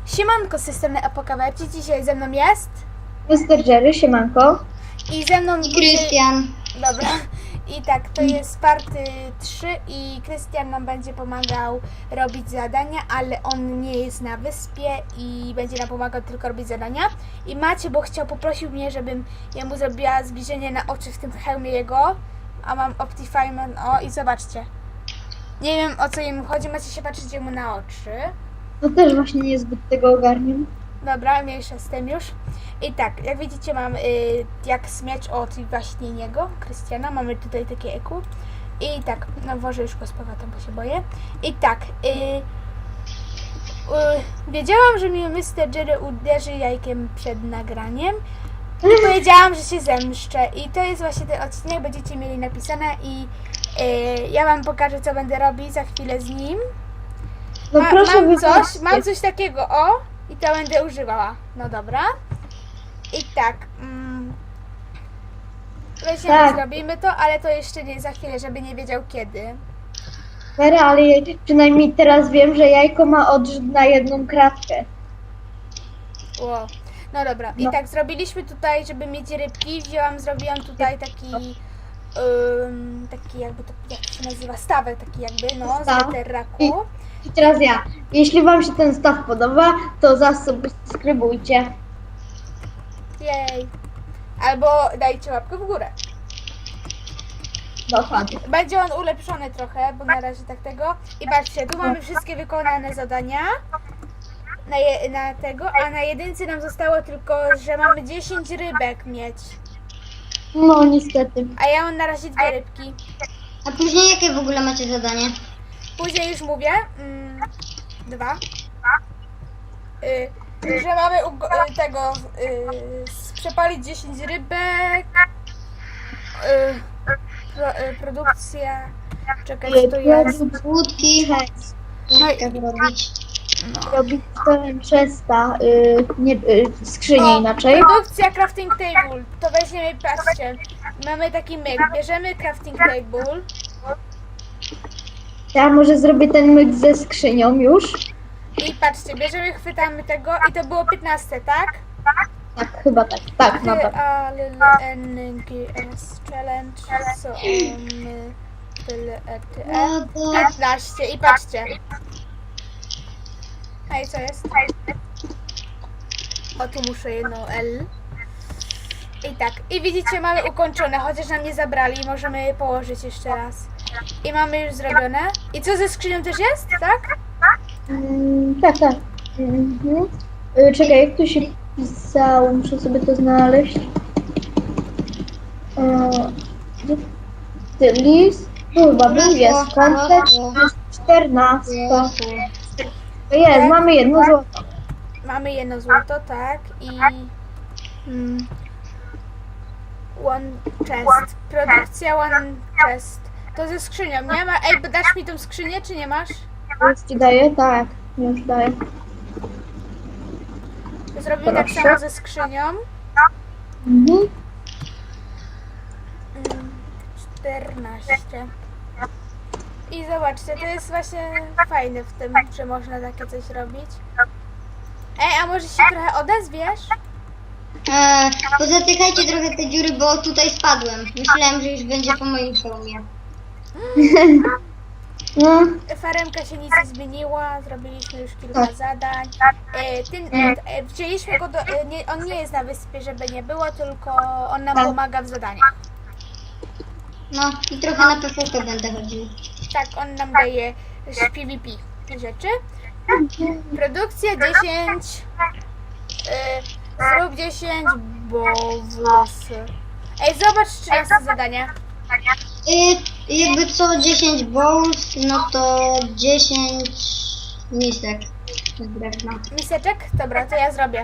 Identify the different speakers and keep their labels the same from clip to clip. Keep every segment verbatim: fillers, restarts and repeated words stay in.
Speaker 1: Siemanko, z tej strony Apokawerci. Dzisiaj ze mną jest
Speaker 2: mister Jerry, siemanko.
Speaker 1: i ze mną
Speaker 3: I Krystian.
Speaker 1: Dobra. I tak, to jest party trzy i Krystian nam będzie pomagał robić zadania, ale on nie jest na wyspie i będzie nam pomagał tylko robić zadania. I Macie, bo chciał, poprosił mnie, żebym ja mu zrobiła zbliżenie na oczy w tym hełmie jego, a mam Optifine, o i zobaczcie. Nie wiem, o co im chodzi, macie się patrzeć mu na oczy.
Speaker 2: No też właśnie niezbyt tego ogarniam.
Speaker 1: Dobra, mniejsza z tym już. I tak, jak widzicie mam y, jak miecz od właśnie niego, Krystiana. Mamy tutaj takie eku. I tak, no może już go z powrotem, bo się boję. I tak, y, y, wiedziałam, że mi mister Jerry uderzy jajkiem przed nagraniem. I powiedziałam, że się zemszczę. I to jest właśnie ten odcinek, będziecie mieli napisane i y, ja wam pokażę, co będę robić za chwilę z nim.
Speaker 2: No
Speaker 1: Ma,
Speaker 2: proszę
Speaker 1: mam coś,
Speaker 2: wybaczcie.
Speaker 1: mam coś takiego, o, i to będę używała. No dobra. I tak, mm, weźmiemy,
Speaker 2: Tak.
Speaker 1: zrobimy to, ale to jeszcze nie za chwilę, żeby nie wiedział kiedy.
Speaker 2: Vera, ale ja przynajmniej teraz wiem, że jajko ma odrzut na jedną kratkę.
Speaker 1: Wow. No dobra, i
Speaker 2: No.
Speaker 1: tak zrobiliśmy tutaj, żeby mieć rybki, wzięłam, zrobiłam tutaj taki, ym, taki jakby to, jak to się nazywa, stawek taki jakby, no, z
Speaker 2: Staw.
Speaker 1: netherraku.
Speaker 2: I teraz ja. Jeśli wam się ten staw podoba, to zasubskrybujcie.
Speaker 1: Jej. Albo dajcie łapkę w górę.
Speaker 2: Dokładnie.
Speaker 1: Będzie on ulepszony trochę, bo na razie tak tego. I patrzcie, tu mamy wszystkie wykonane zadania na, je, na tego, a na jedynce nam zostało tylko, że mamy dziesięć rybek mieć.
Speaker 2: No niestety.
Speaker 1: A ja mam na razie dwie rybki.
Speaker 3: A później jakie w ogóle macie zadanie?
Speaker 1: Później już mówię. Mm, dwa. Y, że mamy ugo- y, tego y, przepalić dziesięć rybek. Y, pro, y, produkcja. Czekaj, co to jest?
Speaker 3: Łódki.
Speaker 1: No i-
Speaker 3: Jak robić?
Speaker 2: Robić cztery trzysta, y, nie, y, skrzynię inaczej.
Speaker 1: Produkcja crafting table. To weźmiemy, patrzcie. Mamy taki myk. Bierzemy crafting table.
Speaker 2: Ja może zrobię ten myk ze skrzynią już.
Speaker 1: I patrzcie, bierzemy, chwytamy tego i to było piętnaście, tak?
Speaker 2: Tak, chyba tak. Tak, no tak.
Speaker 1: A L N G S challenge. So on tyle E T E. piętnaście i patrzcie. Hej, co jest? O, tu muszę jedną L. I tak, i widzicie, mamy ukończone, chociaż nam nie zabrali, możemy je położyć jeszcze raz. I mamy już zrobione. I co ze skrzynią też jest, tak?
Speaker 2: Mm, tak, tak. Mhm. Y, czekaj, jak to się pisało? Muszę sobie to znaleźć. E, gdzie ty list? Tu chyba był, jest. Kontek jest czternasta. To jest, mamy jedno złoto.
Speaker 1: Mamy jedno złoto, tak, i mm, one chest, produkcja one chest. To ze skrzynią, nie ma? Ej, dasz mi tą skrzynię, czy nie masz?
Speaker 2: Już ci daję? Tak, już daję.
Speaker 1: Zrobimy tak
Speaker 2: Proszę.
Speaker 1: samo ze skrzynią.
Speaker 2: Mhm.
Speaker 1: Mm, czternaście. I zobaczcie, to jest właśnie fajne w tym, że można takie coś robić. Ej, a może się trochę odezwiesz?
Speaker 3: Eee, pozatykajcie trochę te dziury, bo tutaj spadłem. Myślałem, że już będzie po moim filmie.
Speaker 2: No,
Speaker 1: Faremka się nic nie zmieniła, zrobiliśmy już kilka
Speaker 2: Tak.
Speaker 1: zadań. E, ten, e, wzięliśmy go do, e, nie, on nie jest na wyspie, żeby nie było, tylko on nam
Speaker 2: Tak.
Speaker 1: pomaga w zadaniach.
Speaker 3: No i trochę na P V P będę chodził.
Speaker 1: Tak, on nam daje z P V P te rzeczy. Produkcja dziesięć. E, zrób dziesięć bowlsy. Ej, zobacz trzynaste zadanie.
Speaker 3: Yy, jakby co dziesięć bowls, no to dziesięć misek z drewna.
Speaker 1: Miseczek? Dobra, to ja zrobię.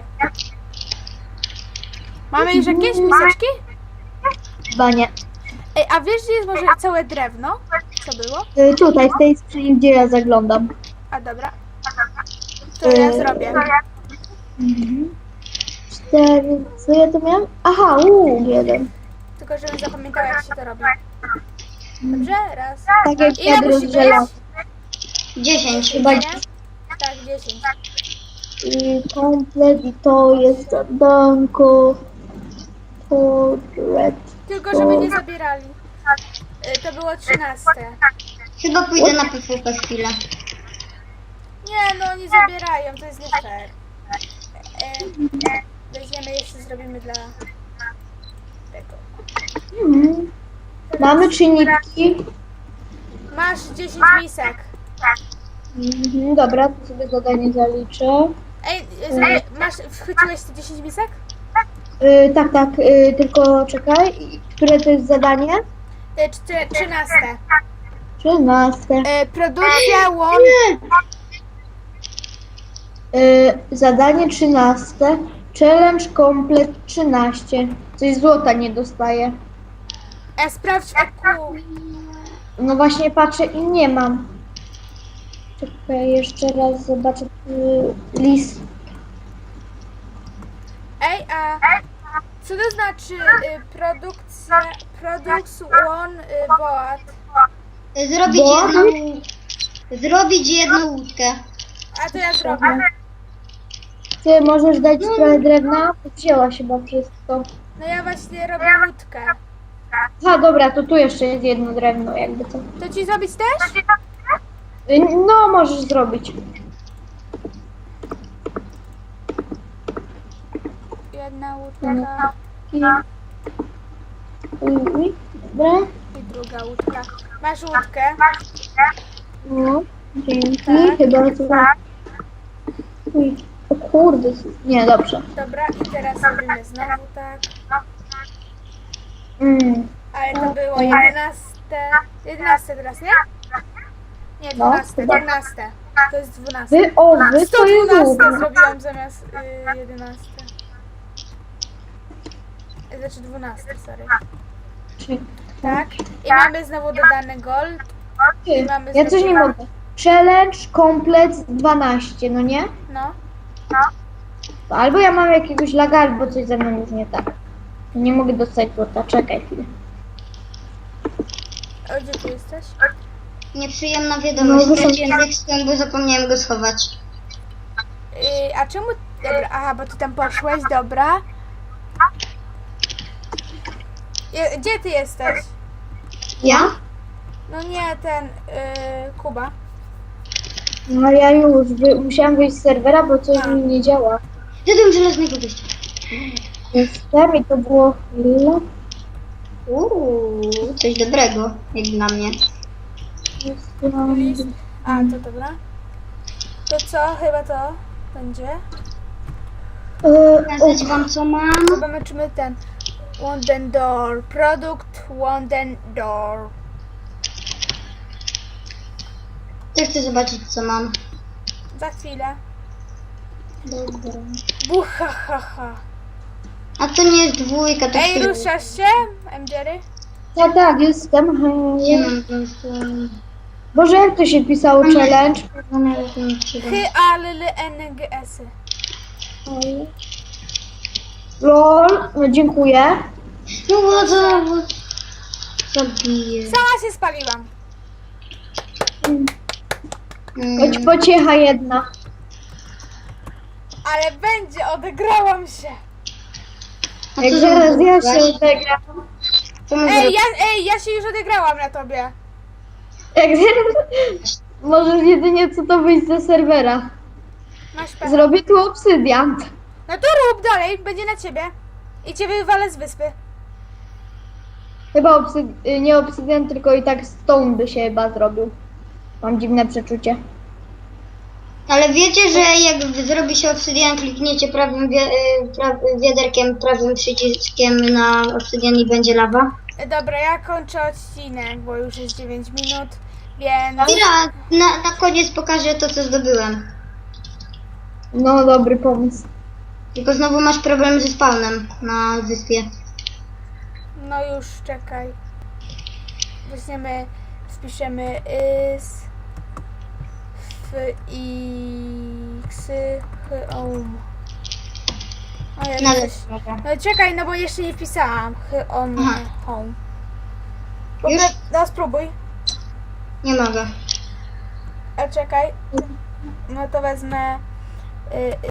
Speaker 1: Mamy już jakieś miseczki?
Speaker 2: chyba nie.
Speaker 1: Ej, a wiesz, gdzie jest może całe drewno? Co było?
Speaker 2: Y, tutaj, w tej skrzyni, gdzie ja zaglądam.
Speaker 1: A dobra. To ja
Speaker 2: Yy,
Speaker 1: zrobię.
Speaker 2: Mhm. Cztery, co ja tu miałam? Aha, uuu, jeden.
Speaker 1: Tylko żebym zapamiętała, jak się to robi. Dobrze? Raz.
Speaker 2: Tak jak
Speaker 1: Ile
Speaker 2: ja
Speaker 1: musi być?
Speaker 2: rozdzielam.
Speaker 3: dziesięć.
Speaker 2: Chyba
Speaker 1: Nie? Tak, dziesięć.
Speaker 2: i komplet i to jest zadanko. Portret.
Speaker 1: Tylko żeby nie zabierali. Y, To było trzynaste.
Speaker 3: Chyba pójdę na P V P chwilę.
Speaker 1: Nie, no nie zabierają, to jest nie fair. E, weźmiemy jeszcze, zrobimy dla tego.
Speaker 2: Mhm. Mamy czynniki.
Speaker 1: Masz dziesięć misek.
Speaker 2: Mhm, dobra, to sobie zadanie zaliczę.
Speaker 1: Ej, zrobię, masz, wchwyciłeś te dziesięć misek?
Speaker 2: Y, tak, tak, y, tylko czekaj. I które to jest zadanie?
Speaker 1: E, czty- trzynaste.
Speaker 2: trzynaste.
Speaker 1: E, produkcja łąk.
Speaker 2: Y, zadanie trzynaste. Challenge komplet trzynaście. Coś złota nie dostaje.
Speaker 1: E, sprawdź oku.
Speaker 2: No właśnie patrzę i nie mam. Czekaj, jeszcze raz zobaczę y, list.
Speaker 1: Ej, a co to znaczy y, produkcja, products one y, boat?
Speaker 3: Zrobić
Speaker 2: Bo?
Speaker 3: jedną... Zrobić jedną łódkę.
Speaker 1: A to ja zrobię.
Speaker 2: Ty możesz dać trochę drewna? Wzięłaś chyba wszystko.
Speaker 1: No ja właśnie robię łódkę.
Speaker 2: A dobra, to tu jeszcze jest jedno drewno, jakby co.
Speaker 1: To ci zrobić też?
Speaker 2: Y, No, możesz zrobić.
Speaker 1: Jedna łódka
Speaker 2: I... Uj, uj, dobra.
Speaker 1: i druga łódka. Masz łódkę?
Speaker 2: No, dzięki.
Speaker 1: Tak.
Speaker 2: Chyba to... Uj, o kurde. Nie, dobrze.
Speaker 1: Dobra, i teraz robimy znowu tak.
Speaker 2: Mm.
Speaker 1: Ale to było jedenaste. jedenaste teraz, nie? Nie,
Speaker 2: No,
Speaker 1: dwanaste,
Speaker 2: chyba.
Speaker 1: dwanaste. To jest dwanaste.
Speaker 2: Wy, o, wy
Speaker 1: sto
Speaker 2: to jest
Speaker 1: dwanaście
Speaker 2: długo.
Speaker 1: zrobiłam zamiast y, jedenaste. Znaczy dwanaście, sorry. Tak. I mamy znowu dodany gold. I mamy
Speaker 2: Ja coś nie
Speaker 1: zrobione-
Speaker 2: mogę. Challenge komplet dwanaście, no nie?
Speaker 1: No.
Speaker 2: Albo ja mam jakiegoś laga, albo coś ze mną już nie tak. Nie mogę dostać złota, czekaj chwilę.
Speaker 1: O, gdzie ty jesteś?
Speaker 3: Nieprzyjemna wiadomość,
Speaker 2: No, wyszło-
Speaker 3: straciłem redstone, bo zapomniałem go schować.
Speaker 1: Y, a czemu... Dobra, aha, bo ty tam poszłeś, dobra. Je, gdzie ty jesteś?
Speaker 3: Ja?
Speaker 2: No
Speaker 1: No nie, ten... Y, Kuba.
Speaker 2: No ja już wy, musiałam wyjść z serwera, bo coś
Speaker 1: A.
Speaker 2: mi nie działa.
Speaker 3: Zjadłem żelaznego gościa.
Speaker 2: Jestem i to było chwilę.
Speaker 3: Uuu, coś dobrego, jak dla mnie.
Speaker 2: Jestem...
Speaker 1: List. A, to dobra. To co? Chyba to będzie.
Speaker 2: E, o,
Speaker 3: Pokazać wam co mam.
Speaker 1: Zobaczymy ten. Wooden door. Produkt Wooden door.
Speaker 3: Też chcę zobaczyć co mam.
Speaker 1: Za chwilę.
Speaker 3: Dobra.
Speaker 1: Bucha, ha, ha.
Speaker 3: A to nie jest dwójka, to
Speaker 1: Ej,
Speaker 3: jest...
Speaker 1: ruszasz się, M. Jerry?
Speaker 2: tak, tak, jestem.
Speaker 3: Nie
Speaker 2: Hej.
Speaker 3: mam po prostu...
Speaker 2: Boże, jak to się pisało challenge?
Speaker 1: Hy, a, l, l, n, g, s.
Speaker 2: Oj. Lol, no dziękuję.
Speaker 3: No woda, woda. Zabiję.
Speaker 1: Sama się spaliłam.
Speaker 2: Choć
Speaker 3: Mm.
Speaker 2: pociecha jedna.
Speaker 1: Ale będzie, odegrałam się.
Speaker 3: A
Speaker 2: Jak
Speaker 3: co
Speaker 2: zaraz
Speaker 3: zrobić?
Speaker 2: ja się odegram.
Speaker 3: Co mam
Speaker 1: Ej,
Speaker 3: zrobić?
Speaker 1: ja, ej, ja się już odegrałam na tobie.
Speaker 2: Jak zaraz... Możesz jedynie co to wyjść ze serwera.
Speaker 1: Masz pecha.
Speaker 2: Zrobię tu obsydian.
Speaker 1: No to rób dalej, będzie na ciebie. I cię wywalę z wyspy.
Speaker 2: Chyba obsyd... nie obsydian, tylko i tak stone by się chyba zrobił. Mam dziwne przeczucie.
Speaker 3: Ale wiecie, że jak zrobi się obsydian, klikniecie prawym wi- y, pra- wiaderkiem, prawym przyciskiem na obsydian i będzie lawa?
Speaker 1: Dobra, ja kończę odcinek, bo już jest dziewięć minut, więc...
Speaker 3: Mira, na, na koniec pokażę to, co zdobyłem.
Speaker 2: No, dobry pomysł.
Speaker 3: Tylko znowu masz problem ze spawnem na wyspie.
Speaker 1: No już, czekaj. Weźmiemy, wpiszemy is, f, x, h, om. O, ja
Speaker 3: Na
Speaker 1: coś...
Speaker 3: lewo.
Speaker 1: No czekaj, no bo jeszcze nie wpisałam. H, on,
Speaker 3: Aha.
Speaker 1: home.
Speaker 3: Już?
Speaker 1: No spróbuj.
Speaker 3: Nie mogę.
Speaker 1: A czekaj. No to wezmę... Y,